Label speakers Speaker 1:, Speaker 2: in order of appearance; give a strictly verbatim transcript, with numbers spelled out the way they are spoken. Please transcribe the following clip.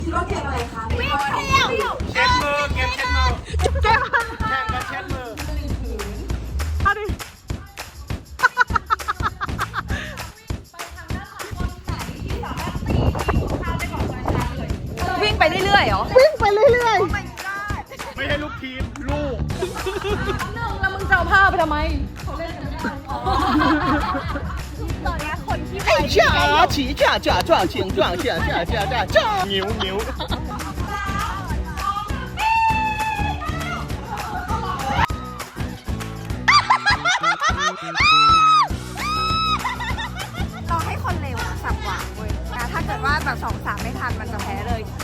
Speaker 1: คิดว่าเกมอะไรคะวิ่งเที่ยว
Speaker 2: เช็ดมือเกมเช็ดมือ
Speaker 3: เก็บ
Speaker 2: แข่งกันเช็ดมือ
Speaker 3: เอาดิวิ่งไปเรื่อยๆเหรอวิ่งไปเรื่อยๆ
Speaker 2: ไม่ใช่ลูกทีมลูก
Speaker 3: แล้วมึงจะเอาผ้าไปทำไม
Speaker 4: 哎呀，起架架撞请撞架架架架撞。
Speaker 2: นิ้วนิ้ว
Speaker 1: เราให้คนเร็วสับหวางเว้ยนะถ้าเกิดว่าแบบสองสามไม่ทันมันจะแพ้เลย